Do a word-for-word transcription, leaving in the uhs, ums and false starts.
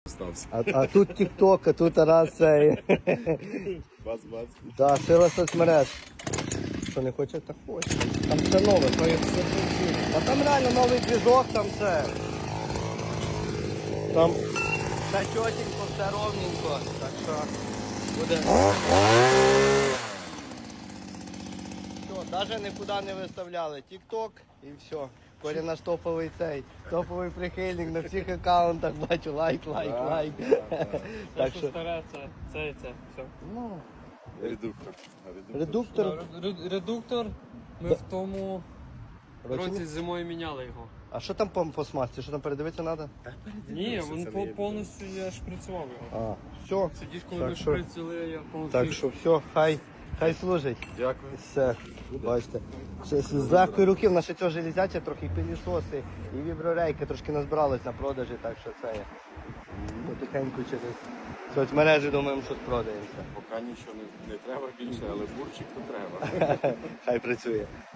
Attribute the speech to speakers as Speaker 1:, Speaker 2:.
Speaker 1: стався.
Speaker 2: А, а тут тік-ток, а тут раз цей.
Speaker 1: Бац-бац.
Speaker 2: Так, сила соцмереж. Що не хоче, так хоче. Там все нове, то є все. А там реально новий двіжок, там все. Там все чотенько, все ровненько. Так що буде. Все, навіть нікуди не виставляли. Тік-ток і все. Коля наш топовий цей, топовий прихильник на всіх аккаунтах, бачу, лайк, лайк, лайк.
Speaker 3: Все, що старе, це, це і це. Все.
Speaker 2: Ну,
Speaker 1: Редуктор.
Speaker 2: редуктор.
Speaker 3: Ре- Редуктор ми в тому
Speaker 2: Році
Speaker 3: році
Speaker 2: ні?
Speaker 3: зимою міняли його.
Speaker 2: А що там по, по смазці? Що там передивитися треба?
Speaker 3: Ні, він по- повністю я шприцював його.
Speaker 2: А, все.
Speaker 3: Сидиш, коли
Speaker 2: Так
Speaker 3: ми
Speaker 2: що-
Speaker 3: шприцювали, я повністю.
Speaker 2: Так що все, хай, хай служить.
Speaker 1: Дякую.
Speaker 2: Все, бачите. Ще з з легкої руки в нас ще цього железяча трохи і пилісоси, і віброрейки трошки назбирались на продажі, так що це є. Потихеньку через соцмережі думаємо, що спродаємося.
Speaker 1: Поки нічого не, не треба більше, але бурчик то треба.
Speaker 2: Хай працює.